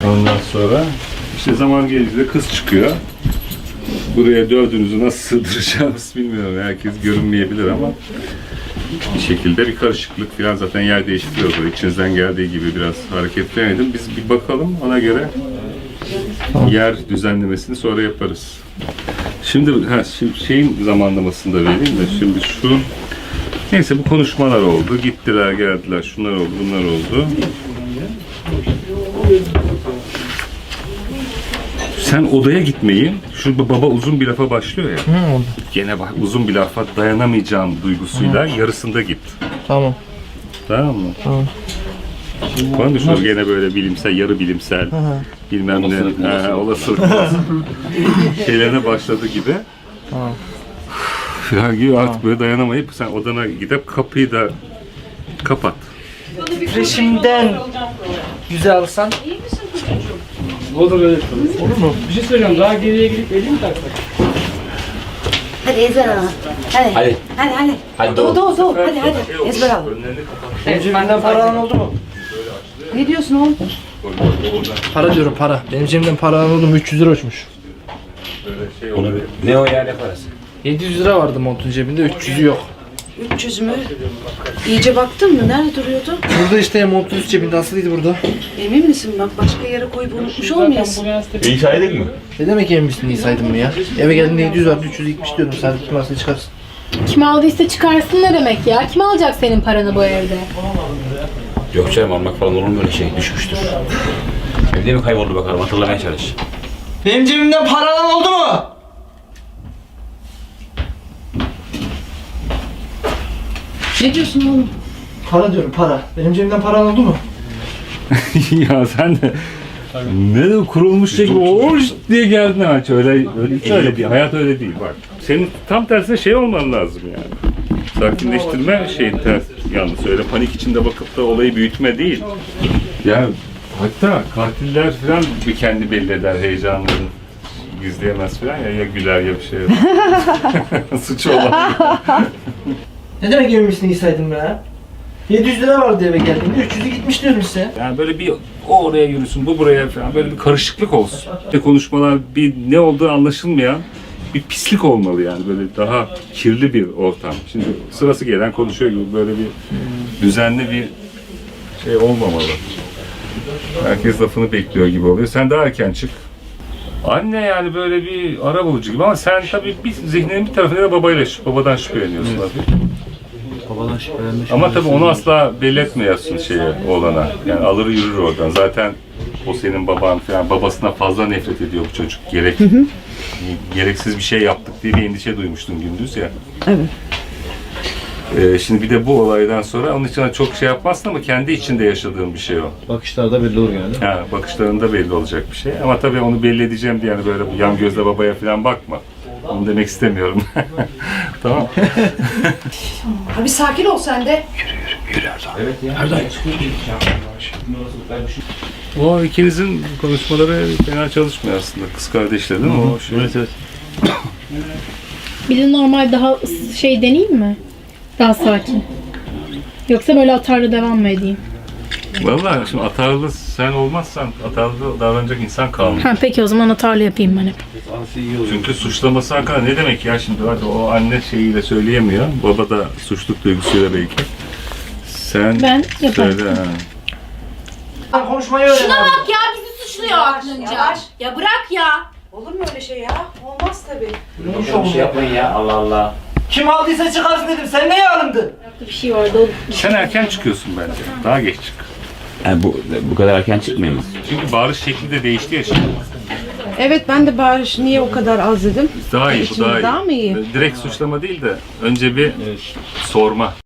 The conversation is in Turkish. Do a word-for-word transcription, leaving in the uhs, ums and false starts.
Ondan sonra işte zaman gelince kız çıkıyor. Buraya dördünüzü nasıl sığdıracağımız bilmiyorum. Herkes görünmeyebilir ama bir şekilde bir karışıklık falan, zaten yer değiştiriyor. İçinizden geldiği gibi biraz hareketlenelim. Biz bir bakalım, ona göre yer düzenlemesini sonra yaparız. Şimdi, ha, şimdi şeyin zamanlamasını da vereyim de şimdi şu, neyse bu konuşmalar oldu. Gittiler, geldiler, şunlar oldu, bunlar oldu. Sen odaya gitmeyi, şu baba uzun bir lafa başlıyor ya. Hı, Gene bak uzun bir lafa dayanamayacağım duygusuyla hı. yarısında git. Tamam. Tamam mı? Tamam. Bana düşünüyorum gene böyle bilimsel, yarı bilimsel, hı hı. bilmem olasılık, ne, ha, olasılık şeylerine başladı gibi. Tamam. Falan gibi artık böyle dayanamayıp sen odana gidip kapıyı da kapat. Resimden yüze alsan. Olur öyle. Olur mu? Bir şey söyleyeceğim. Daha geriye gidip elini mi taksak? Hadi ezber al. Hadi. Hadi. Hadi hadi. Hadi Doğu doğu doğu. Hadi hadi. Ezber al. Benim cebimden para alan oldu mu? Ne diyorsun oğlum? Para diyorum, para. Benim cebimden para alan oldu mu? üç yüz lira uçmuş. Onu bir, ne o ya, ne parası? yedi yüz lira vardı montun cebinde, üç yüzü yok. üç yüz mü? İyice baktın mı? Nerede duruyordu? Burada işte montun üst cebinde, asılıydı burada. Emin misin? Bak başka yere koyup unutmuş olmayasın. İyi saydık mı? Ne demek emin misin, iyi saydım mı ya? Eve geldiğinde yedi yüz vardı, üç yüz gitmiş diyordum. Sen kim varsa çıkarsın. Kim aldıysa çıkarsın ne demek ya? Kim alacak senin paranı bu evde? Yok canım, almak falan olur mu öyle şey? Düşmüştür. Evde mi kayboldu bakalım, hatırlamaya çalış. Benim cebimden para alan oldu mu? Ne diyorsun oğlum? Para diyorum, para. Benim cebimden para alan oldu mu? Ya sen de ne de kurulmuş şey gibi ooo diye geldin ha. Öyle, öyle, hiç öyle değil. Hayat öyle değil bak. Senin tam tersine şey olman lazım yani. Sakinleştirme şeyin ters. Yalnız öyle panik içinde bakıp da olayı büyütme değil. Ya hatta katiller falan bir kendi belli eder heyecanını. Gizleyemez falan ya, ya güler ya bir şey yapar. Suçu olan. Ne demek emin misin, iyi saydım be? yedi yüz lira vardı eve geldiğinde, üç yüzü gitmiş diyorum size. Yani böyle bir o oraya yürüsün, bu buraya falan, böyle bir karışıklık olsun. İşte konuşmalar bir ne olduğu anlaşılmayan bir pislik olmalı yani, böyle daha kirli bir ortam. Şimdi sırası gelen konuşuyor gibi böyle bir düzenli bir şey olmamalı. Herkes lafını bekliyor gibi oluyor. Sen daha erken çık. Anne yani böyle bir arabulucu gibi ama sen tabii bir zihninin bir tarafında da babayla, babadan şüpheleniyorsun tabii. Babadan şüphelenmiş. Ama tabii onu asla belli etmiyorsun şeye, oğlana. Yani alır yürür oradan. Zaten o senin baban falan, babasına fazla nefret ediyor bu çocuk. Gerek, hı hı. Gereksiz bir şey yaptık diye bir endişe duymuştun gündüz ya. Evet. Ee, şimdi bir de bu olaydan sonra onun için çok şey yapmazsın ama kendi içinde yaşadığın bir şey o. Bakışlarda belli olur yani. Ha, bakışlarında belli olacak bir şey. Ama tabii onu belli edeceğim diye yani böyle yan gözle babaya falan bakma. Onu demek istemiyorum. Tamam. Abi sakin ol sen de. Evet ya. Erdoğan. O ikinizin konuşmaları fena çalışmıyor aslında. Kız kardeşler değil mi? O şey. Evet evet. Bir de normal daha ıs- şey deneyeyim mi? Daha sakin. Yoksa böyle atarlı devam mı edeyim? Vallahi şimdi atarlı sen olmazsan atarlı davranacak insan kalmıyor. Ha peki o zaman atarlı yapayım ben hep. Çünkü suçlaması hakkında ne demek ya şimdi, hadi o anne şeyiyle söyleyemiyor. Baba da suçluluk duygusuyla belki. Sen Ben yaparım. söyle ha. Sen konuşmayı öğren Şuna abi. bak ya, bizi suçluyor aklınca. yavaş. Ya bırak ya. Olur mu öyle şey ya? Olmaz tabii. Bir şey yapmayın ya, Allah Allah. Kim aldıysa çıkarsın dedim, sen neye alındın? Bir şey vardı o. Sen erken çıkıyorsun bence. Daha geç çık. Yani bu bu kadar erken çıkmayayım. Çünkü bağırış şekli de değişti ya şimdi. Evet, ben de bağırış niye o kadar az dedim. Daha iyi, bu Şimdi daha iyi. daha mı iyi? Direkt suçlama değil de önce bir sorma.